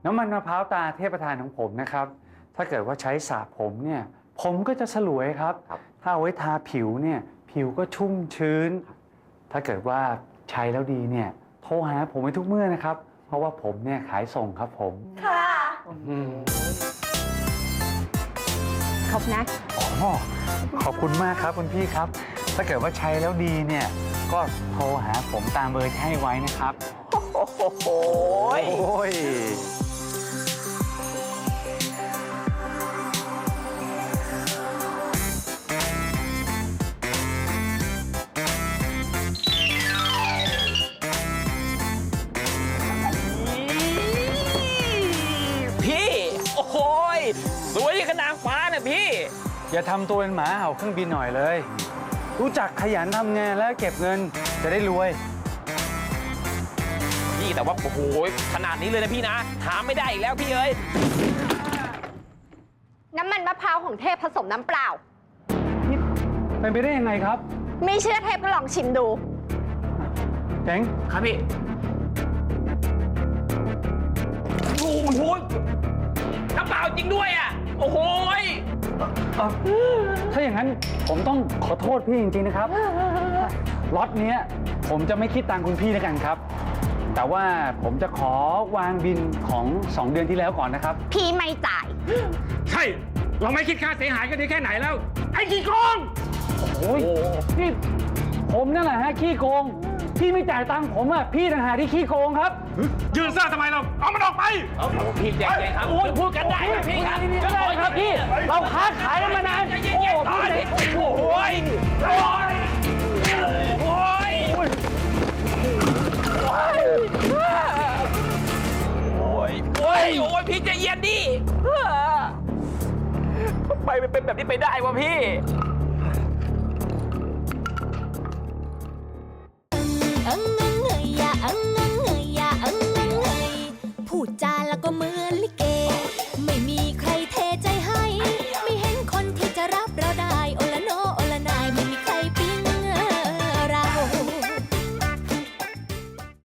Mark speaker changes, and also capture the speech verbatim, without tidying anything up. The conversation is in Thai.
Speaker 1: น้ำมันมะพร้าวตาเทพประธานของผมนะครับถ้าเกิดว่าใช้สระผมเนี่ยผมก็จะสลวยครับถ้าเอาไว้ทาผิวเนี่ยผิวก็ชุ่มชื้นถ้าเกิดว่าใช้แล้วดีเนี่ยโทรหาผมไว้ทุกเมื่อนะครับเพราะว่าผมเนี่ยขายส่งครับผม
Speaker 2: ค่ะ
Speaker 3: ขอบนะ
Speaker 1: อ๋อขอบคุณมากครับคุณพี่ครับถ้าเกิดว่าใช้แล้วดีเนี่ยก็โทรหาผมตามเบอร์ที่ให้ไว้นะครับ
Speaker 2: โอ้โห
Speaker 1: โอ้ย
Speaker 2: พี่โอ้โหสวยขนาดฟ้านะพี่
Speaker 1: อย่าทำตัวเป็นหมาเห่าเครื่องบินหน่อยเลยรู้จักขยันทำงานแล้วเก็บเงินจะได้รวย
Speaker 2: พี่แต่ว่าโอ้โหขนาดนี้เลยนะพี่นะหาไม่ได้อีกแล้วพี่เอ้ย
Speaker 3: น้ำมันมะพร้าวของเทพผสมน้ำเปล่า
Speaker 1: นี่เป็นไปได้ยังไงครับ
Speaker 3: ไม่เชื่อเทพก็ลองชิมดู
Speaker 1: เจ๋ง
Speaker 2: ครับพี่โอ้โหน้ำเปล่าจริงด้วยอ่ะโอ้โห
Speaker 1: ถ้าอย่างนั้นผมต้องขอโทษพี่จริงๆนะครับล็อตนี้ผมจะไม่คิดตังค์คุณพี่แล้วกันครับแต่ว่าผมจะขอวางบินของสองเดือนที่แล้วก่อนนะครับ
Speaker 3: พี่ไม่จ่าย
Speaker 4: ใช่เราไม่คิดค่าเสียหายกันดีแค่ไหนแล้วไอ้ขี้โกง
Speaker 1: โอ้ยนี่ผมนั่นแหละฮะขี้โกงพี่ไม่จ่ายตังค์ผมอ่ะพี่ต่างหากที่ขี้โกงครับ
Speaker 4: ยืนซ่าทำไมเราเอามันออกไป
Speaker 2: โอ้โหพี่ใจเย็นครับโอ้ยพูดกันได้ครับพี่ครับ
Speaker 1: ก็ได้ครับพี่เราค้าขายกันมานาน
Speaker 2: โอ้โหโอ้โหโอ้ยโอ้ยโอ้ยโอ้ยโอ้ยพี่ใจเย็นดิทำไมมันเป็นแบบนี้ไปได้วะพี่
Speaker 5: พูดจาแล้วก็เหมือนลิเก